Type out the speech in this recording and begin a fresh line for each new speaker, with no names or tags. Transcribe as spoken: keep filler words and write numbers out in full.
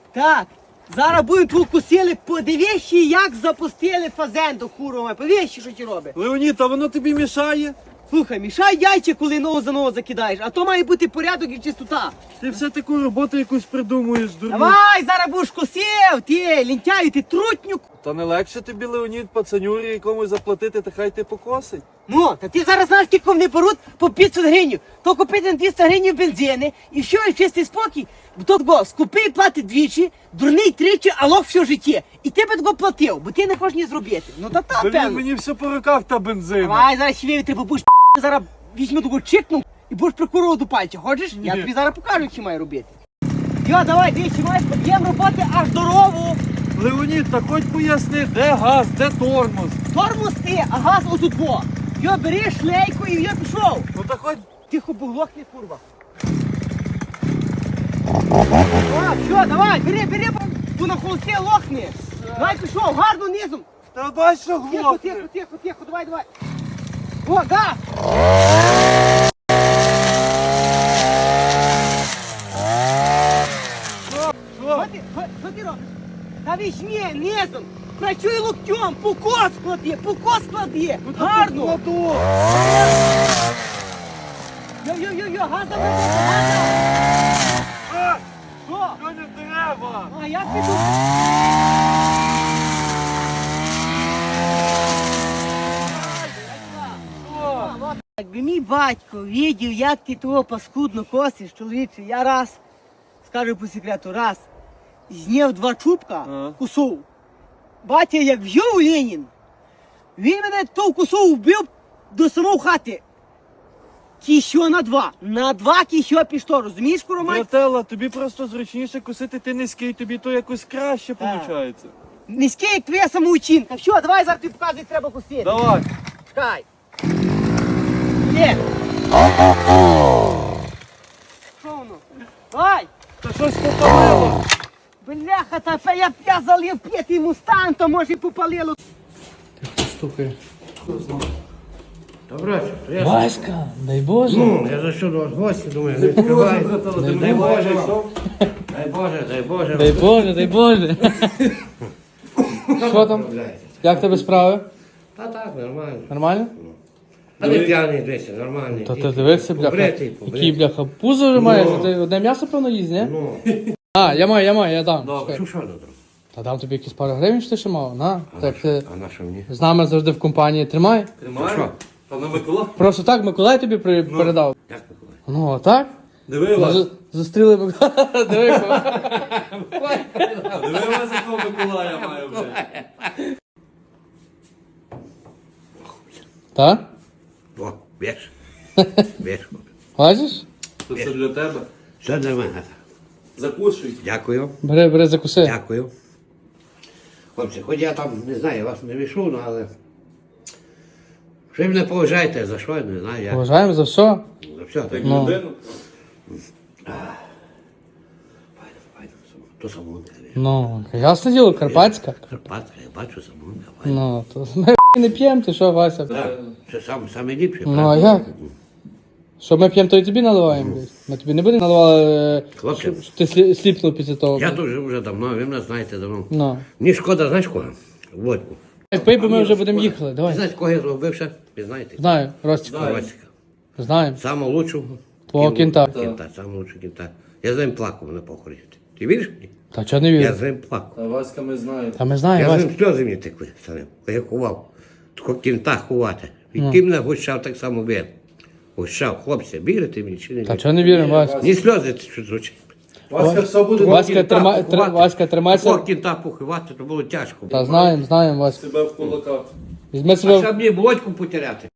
Так, зараз будемо тут косили, подивись, як запустили фазенду курова. Подивись, що ти робиш.
Леонід, а воно тобі мішає?
Слухай, мішай яйця, коли ногу за ногу закидаєш, а то має бути порядок і чистота.
Ти все таку роботу якусь придумуєш, дурню.
Давай, зараз будеш косив, ти, лінтяю, ти трутнюк.
Та не легше тобі, Леонід, пацанюрі якомусь заплатити, та хай ти покосить.
Ну, та ти зараз знаєш, скільки вони беруть по п'ятсот гривень. То купити на двісті гривень бензини, і все, і чистий спокій. Бо то такого, скупий платить двічі, дурний тричі, а лох все життя. І ти би такого платив, бо ти не хочеш ні зробити. Ну та та,
Блін,
певно.
мені все по руках та бензина.
Давай, зараз ще вивіти, бо будеш зараз візьму таку чикну і будеш прикурував до пальця. Хочеш? Я
Ні.
тобі зараз покажу, що маю робити. Йо, давай, дивіться, маєш під'єм роботи аж до рову.
Леонід, та хоч поясни, де газ, де тормоз.
Тормоз ти, а газ отут во. Йо, бери шлейку і я пішов.
Ну та хоч...
Тихо, бо глохне, курва. О, все, давай, бери, бери, бо ту на холості лохне. Давай пішов, гарно низом.
Та бач, що
Тихо,
глохне.
тихо, тихо, тихо, давай, давай. О, да.
Що?
Що ти, що, що ти робиш? Та візьми низом. Працюй локтем, покос клади, покос клади. Гарно.
Кладу.
Йо-йо-йо, газа, газа.
А,
Що?
що не треба?
А як піду?
Що?
Якби мій батько видів, як ти того паскудно косиш, чоловіче, я раз, скажу по секрету, раз, зняв два чубка,
Ага.
кусов. Батя як в'їв Ленін, він мене того кусов вбив до самого хати. Кіщо на два. На два кіщо пішло, розумієш, Куромай?
Братела, тобі просто зручніше косити, ти низький, тобі то якось краще
Так.
виходить.
Низький, як твоя самоучинка. Все, давай зараз тобі показуй, як треба косити.
Давай.
Чекай. Є. Що воно? Давай.
Та щось попалило.
Бляха, та я, я залив п'ятий мустанг, то може і попалило.
Стукає.
Добре, то я...
Васька, дай Боже.
Ну, я за що до вас в гості, думаю, не відкривай. Дай Боже, дай Боже, дай Боже.
Дай Боже, дай Боже. Що там?
Відправляйте.
Як тебе справи?
Та так, нормально.
Нормально?
А не п'яний, дивися, нормальний.
Та ти дивишся, бляха.
Побритий,
Який,
побритий.
бляха, пузо вже маєш?
Ну.
Ти одне м'ясо, певно, їсть, ні?
Ну,
А, я маю, я маю, я дам.
що,
Чекай.
що добре?
Та дам тобі якісь пару гривень, що ти ще мав, на.
А
Так
на
ти
що- а на що мені?
з нами завжди в компанії тримай.
А що?
Та на Микола.
Просто так Миколай тобі при- передав.
Як Миколай?
Ну, так?
Диви
Ми
вас.
з- Зустріли Миколая. Диви, кого.
Диви вас, якого Миколая маю вже.
Так?
О, веш. Веш.
Бачиш?
Це все для тебе.
Все для мене.
Закушуй.
Дякую,
Бери, бери, закуси.
дякую. Хлопці, хоч я там, не знаю, я вас не вішу, ну, але... Що ви мене поважаєте, за що, я не знаю, я...
Поважаємо за все.
За все, так.
Ну.
Людину.
Файно, файно, то самогонка.
Ну, ясне діло, карпатська.
Карпатка, я бачу самогонка, файно.
Ну, то ми не п'ємо, ти що, Вася?
Так, це сам, саме ліпше.
Ну, а як? Що ми п'ємо, то і тобі наливаємо. десь. Ми тобі не будемо наливати,
Хлопці.
щоб щоб ти слі- сліпнув після того.
Я дуже вже давно, ви мене знаєте давно.
Ну.
Мені шкода, знаєш кого? Водку.
Пий, бо ми вже будемо їхали,
Ви
давай.
знаєте, кого я зробив ще? Ви знаєте?
Знаю, Ростіка.
Ростика.
Знаємо.
Самого лучшого.
Твого кінта.
Кінта, самого лучшого кінта. Я з ним плакав на похороні. Ти віриш мені?
Та чого не
Я
вірю?
з ним плакав.
Та Васька ми знаємо.
Та ми знаємо,
Я з
Вася.
ним сльози мені текли самим. Я ховав. Тако кінта ховати. І
Ну.
ти мене гущав так само вір. Гущав, хлопці, вірите мені чи не
Та
вірите?
чого не віримо, Вася?
Ні сльози що звучить.
Васька все буде
Васька,
Кінта
тримай,
поховати.
тр- Васька, тримайся.
Такого кінта поховати, то було тяжко.
Та знаємо, знаємо, Вася.
тебе в кулаках.
Візьми
А
себе,
щоб мені водку потеряти.